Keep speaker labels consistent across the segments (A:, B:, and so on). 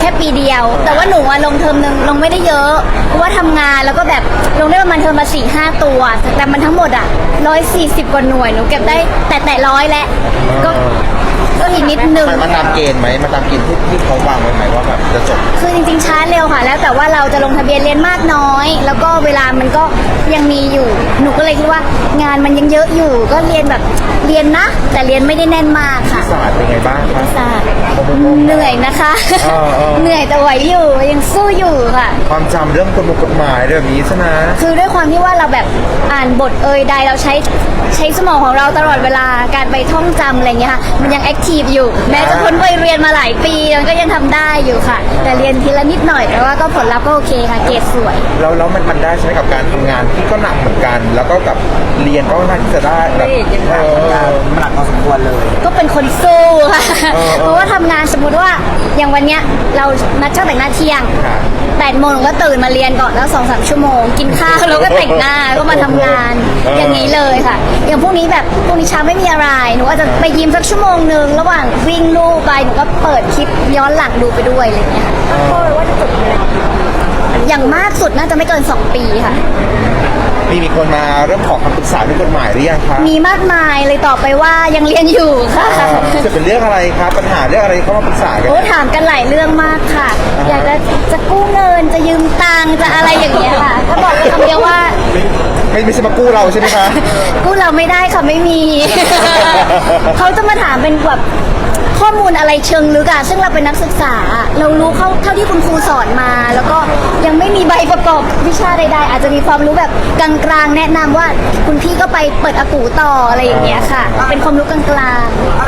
A: แค่ปีเดียวแต่ว่าหนูอะลงเทอมนึงลงไม่ได้เยอะเพราะว่าทำงานแล้วก็แบบลงได้ประมาณเทอมละ4-5 ตัวแต่มันทั้งหมดอ่ะ140 กว่าหน่วยหนูเก็บได้แต่100แล้วก็อีกนิดนึง
B: มันมาตามเกณฑ์ไหมมาตามเกณฑ์ที่เขาวางไว้ไหมว่าแบบจะจบ
A: คือจริงๆช้าเร็วค่ะแล้วแต่ว่าเราจะลงทะเบียนเรียนมากน้อยแล้วก็เวลามันก็ยังมีอยู่หนูก็เลยคิดว่างานมันยังเยอะอยู่ก็เรียนแบบเรียนนะแต่เรียนไม่ได้แน่นมากค่ะ
B: ศาสตร์เป็นไงบ้างคะ
A: ศาสตร์เหนื่อยนะคะ เหนื่อยแต่ไหวอยู่ยังสู้อยู่ค่ะ
B: ความจำเรื่องกฎหมายเรื่องนี้ใช่ไหม
A: คือด้วยความที่ว่าเราแบบอ่านบทใดเราใช้สมองของเราตลอดเวลาการไปท่องจำอะไรเงี้ยค่ะมันยังแอคทีฟอยู่แม้จะพ้นวัยเรียนมาหลายปีมันก็ยังทำได้อยู่ค่ะ แต่เรียนทีละนิดหน่อยแต่ว่าก็ผลลัพธ์ก็โอเคค่ะเกรดสวย
B: แล้วมันได้ใช้กับการทำงานที่ก็หนักเหมือนกัน แล้วก็กับเรียนก็น่าที่จะได้แบบ
C: มันหนักพอสมควรเลย
A: ก็เป็นคนสู้ค่ะ เพราะว่าทำงานสมมติว่าอย่างวันเนี้ยเรานัดช่างแต่งหน้าเที่ยง8 โมงก็ตื่นมาเรียนก่อนแล้ว2-3 ชั่วโมงกินข้าวแล้วก็แต่งหน้าก็มาทำงานอย่างนี้เลยค่ะอย่างพวกนี้แบบพวกนี้เช้าไม่มีอะไรหนูอาจจะไปยิมสักชั่วโมงนึงระหว่างวิ่งลู่ไปหนูก็เปิดคลิปย้อนหลังดูไปด้วยอะไรอย่างเงี้ยค่ะว่าจะจบอย่างมากสุดน่าจะไม่เกิน2 ปีค่ะ
B: มีคนมาเริ่มขอคำปรึกษาเรื่องกฎหมายหรือยังคะ
A: มีมากมายเลยตอบไปว่ายังเรียนอยู่ค่ะ
B: จะเป็นเรื่องอะไรครับปัญหาเรื่องอะไรเข้ามาปรึกษากัน
A: โอ้ถามกันหลายเรื่องมากค่ะอยากจะกู้เงินจะยืมตังค์จะอะไรอย่างเงี้ยค่ะถ้าบอกคำเดียวว่า
B: ไม่ใช่มากู้เราใช่ไหมคะ
A: กู้เราไม่ได้ค่ะไม่มี เขาจะมาถามเป็นแบบข้อมูลอะไรเชิงลึกอะซึ่งเราเป็นนักศึกษาเรารู้เท่าที่คุณครูสอนมา แล้วก็ยังไม่มีใบประกอบวิชาใดๆอาจจะมีความรู้แบบกลางๆแนะนำว่าคุณพี่ก็ไปเปิดอากูต่ออะไรอย่างเงี้ยค่ะเป็นความรู้กลาง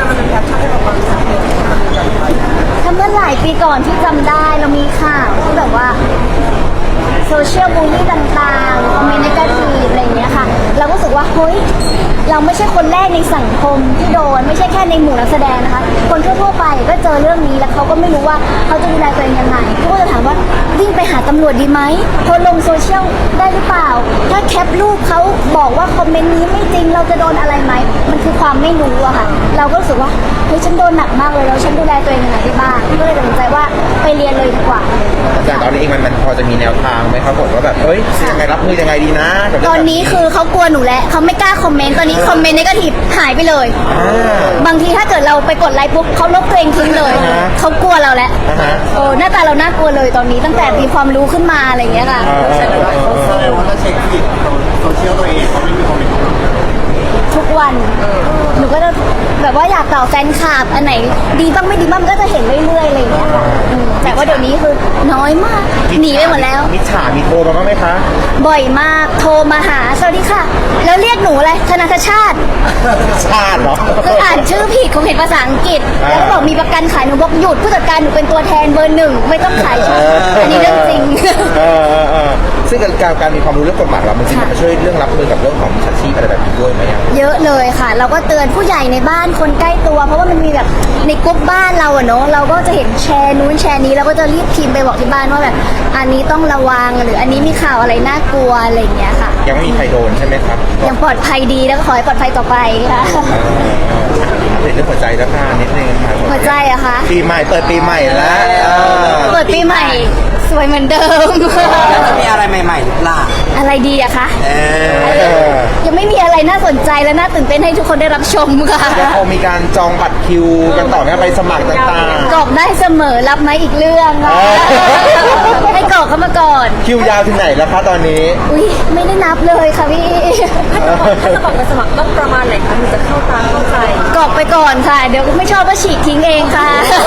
A: ๆถ้าเมื่อหลายปีก่อนที่จำได้เรามีข่าวที่แบบว่าโซเชียลบูลลี่ต่างๆคอมเมนต์เนกาทีฟอะไรอย่างเงี้ยค่ะเราก็รู้สึกว่าเฮ้ยเราไม่ใช่คนแรกในสังคมที่โดนไม่ใช่แค่ในหมู่นักแสดงนะคะคนทั่วๆไปก็เจอเรื่องนี้แล้วเขาก็ไม่รู้ว่าเขาจะดูแลตัวเองยังไงเขาก็จะถามว่าวิ่งไปหาตำรวจดีไหมโพสต์ลงโซเชียลได้หรือเปล่าถ้าแคปรูปเขาบอกว่าคอมเมนต์นี้ไม่จริงเราจะโดนอะไรไหมมันคือความไม่รู้อะค่ะเราก็รู้สึกว่าเฮ้ยฉันโดนหนักมากเลยแล้วฉันดูแลตัวเองยังไงได้บ้างก็เลยตัดสินใจว่าไปเรียนเลยดีกว่า
B: แต่ตอนนี้เองมันพอจะมีแนวทางไหมครับผมว่าแบบเฮ้ยยังไงรับมือยังไงดีนะ
A: ตอนนี้คือเขากลัวหนูแล้วเขาไม่กล้าคอมเมนต์ตอนนี้คอมเมนต์เนกาทีฟหายไปเลยบางทีถ้าเกิดเราไปกดไลค์ปุ๊บเขาลบตัวเองทิ้งเลยเขากลัวเราแล้วหน้าตาเราน่ากลัวเลยตอนนี้ตั้งแต่มีความรู้ขึ้นมาอะไรอย่างเงี้ยค่ะ
C: ว่าถ้าเช็คผิดโซเชียลตัวเองเขาไม่มีคอมเมนต์
A: ทุกวันหนูก็จะแบบว่าอยากตอบแฟนคลับอันไหนดีบ้างไม่ดีบ้างก็จะเห็นเรื่อยๆอะไรอย่างเงี้ยค่ะแต่ว่าเดี๋ยวนี้คือน้อยมากหนีไปหมดแล้ว
B: มิจฉามีโทรมาบ้างไหมคะ
A: บ่อยมากโทรมาหาสวัสดีค่ะแล้วเรียกหนูอะไรธนาคารชาติ
B: เหรอ
A: คืออ่านชื่อผิดคงเห็นภาษาอังกฤษแล้วก็บอกมีประกันขายหนูบอกหยุดผู้จัดการหนูเป็นตัวแทนเบอร์ 1ไม่ต้องขายช่องอันนี้เรื่องจริง
B: ซึ่งการมีความรู้เรื่องกฎหมายเรามันจะช่วยเรื่องรับมือกับเรื่องของมิจฉาชีพอะไรแบบนี้ด้วยไหม
A: เยอะเลยค่ะเราก็เตือนผู้ใหญ่ในบ้านคนใกล้ตัวเพราะว่ามันมีแบบในกลุ่มบ้านเราอะเนาะเราก็จะเห็นแชร์นู้นแชร์นี้เราก็จะรีบพิมพ์ไปบอกที่บ้านว่าแบบอันนี้ต้องระวังหรืออันนี้มีข่าวอะไรน่ากลัวอะไรอย่างเงี้ยค่ะ
B: ยังไม่มีใครโดนใช่ไหมครับ
A: ยังปลอดภัยดีแล้วก็ขอให้ปลอดภัยต่อไปค่ะ
B: เรื่องหัวใจแล้วค่ะนิดนึงค่ะ
A: หัวใจอะคะ
B: ปีใหม่เปิดปีใหม่แล้ว
A: เปิดปีใหม่สวยเหมือนเดิม
C: แล้วจะมีอะไรใหม่ๆหรือเปล่า
A: อะไรดีอะคะยังไม่มีอะไรน่าสนใจและน่าตื่นเต้นให้ทุกคนได้รับชมค่ะ
B: ยังคงมีการจองบัตรคิวกันต่อไปสมัครต่าง
A: ๆกรอกได้เสมอรับไหมอีกเรื่องให้กรอกเข้ามาก่อน
B: คิวยาวถึงไหนแล้วคะตอนนี้
A: อุ้ยไม่ได้นับเลยค่ะพี่
D: ถ้าจะบอกไปสมัครต้องประมาณไหนคะถึงจะเข้าตามเข้าใจ
A: กรอกไปก่อนค่ะเดี๋ยวไม่ชอบก็ฉีกทิ้งเองค่ะ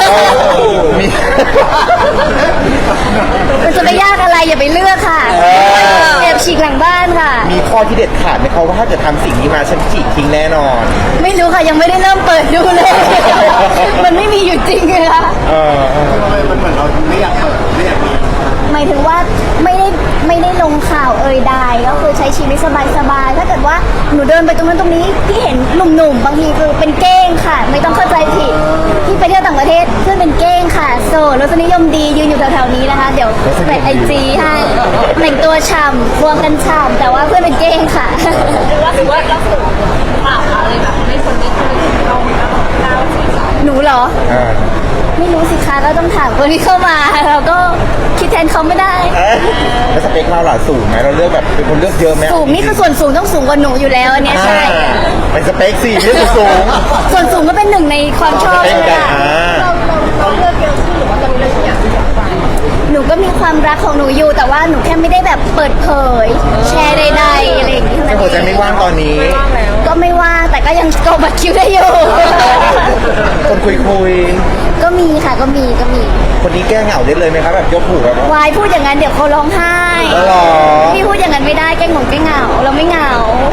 A: มันจะไม่ยากอะไรอย่าไปเลือกค่ะแอบฉีกหลังบ้านค่ะ
B: มีข้อที่เด็ดขาดไหมเขาว่าถ้าเกิดทำสิ่งนี้มาฉันฉีกทิ้งแน่นอน
A: ไม่รู้ค่ะยังไม่ได้เริ่มเปิดดูเลยมันไม่มีอยู่จริงเลยค่ะ
C: มันเหมือนเราไม่อยากเปิดไม่อยากมี
A: หมายถึงว่าไม่ได้ลงข่าวใดก็คือใช้ชีวิตสบายๆถ้าเกิดว่าหนูเดินไปตรงนั้นตรงนี้ที่เห็นหนุ่มๆบางทีคือเป็นเก้งค่ะไม่ต้องเข้าใจผิดที่ไปเที่ยวต่างประเทศเพื่อนเป็นเก้งค่ะโซ่รสนิยมดียืนอยู่แถวๆนี้นะคะเดี๋ยวแปะIGให้แต่งตัวฉ่ำควงกันฉ่ำแต่ว่าเพื่อนเป็นเก้งค่ะ
D: หรือว่าล่าสุดข่าวอะไรแบบไม่คนนี้คนนี้เรา
A: หนูเหรอ
B: อ่า
A: ไม่รู้สิคะก็ต้องถามคนที่เข้ามาเราก็คิดแทนเขาไม่ได้
B: แล้วสเปคเราล่ะสูงไหมเราเลือกแบบเป็นคนเลือกเยอะไหม
A: สูงนี่คือส่วนสูงต้องสูงกว่าหนูอยู่แล้วอันเนี้ยใช่
B: เป็นสเปคสี่เลือกสูง
A: ส่วนสูงก็เป็นหนึ่งในความชอบ
B: สเปค
A: ใช่ไหม
B: กัน
A: ล่ะ
D: เราเลือกเยอะขึ้นหรือว่าตอนนี้เราอยากจะไป
A: หนูก็มีความรักของหนูอยู่ แต่ว่าหนูแค่ไม่ได้แบบเปิดเผย แชร์ใดๆอะไรอย่างนี้เท่า
B: แต่
A: นั้น
B: หัวใจ
A: เอง
B: ไม่ว่างตอนนี้
D: ว่างแล้ว
A: ก็ไม่ว่างแต่ก็ยังกดบัตรคิวได้อยู่
B: คนคุย
A: ก็มีค่ะก็มี
B: คนนี้แก้เหงาได้เลยไหมครับแบบยกหูแบบว่าว
A: ายพูดอย่างนั้นเดี๋ยวเขาร้องไห้
B: อ๋อเหรอ
A: พี่พูดอย่างนั้นไม่ได้แกงหงแกงเหงาเราไม่เหงา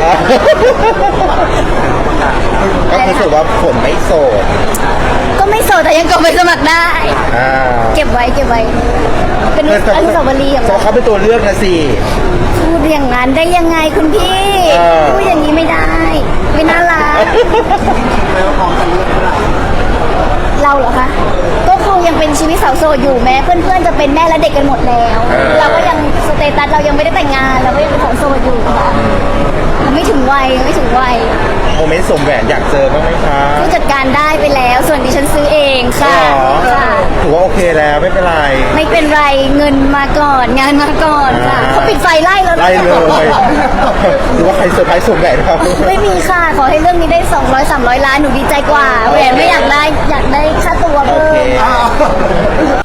B: ก็คือถือว่าฝนไม่โสด
A: ก็ไม่โสดแต่ยังกดไปสมัครได้
B: อ่า
A: เก็บไว้ เป็นอนุสาวรีย์ของ
B: เพราะ
A: เรา
B: เขาเป็นตัวเลือกนะสิ
A: พูดอย่างนั้นได้ยังไงคุณพี่
B: เออ
A: พูดอย่างนี้ไม่ได้ ไม่น่ารัก
C: แล้วพร้อมกันเลือกเท่าไหร่
A: เราเหรอคะก็คงยังเป็นชีวิตสาวโสดอยู่แม้เพื่อนๆจะเป็นแม่และเด็กกันหมดแล้ว เราก็ยังสเตตัสเรายังไม่ได้แต่งงานเราก็ยังเป็นสาวโสดอยู่ค่ะยังไม่ถึงวัย
B: โมเมนต์สมแหวนอยากเจอบ้างไหมคะ
A: ผู้จัดการได้ไปแล้ว ส่วนดิฉันซื้อเองค่ะ
B: อ๋อ
A: ค่ะ
B: ถือว่าโอเคแล้วไม่เป็นไร
A: ไม่เป็นไรเงินมาก่อนงานมาก่อนค่ะเขาปิดไฟไล่แล้วนะ
B: ไล่เลยหรือว่าใครเซอร์ไพรส์สมแหวนครับ
A: ไม่มีค่ะ ขอให้เรื่องนี้ได้200-300 ล้านหนูดีใจกว่าแหวนไม่อยากได้ค่าตัว
B: โอ
A: เพิ่
B: เค
A: ม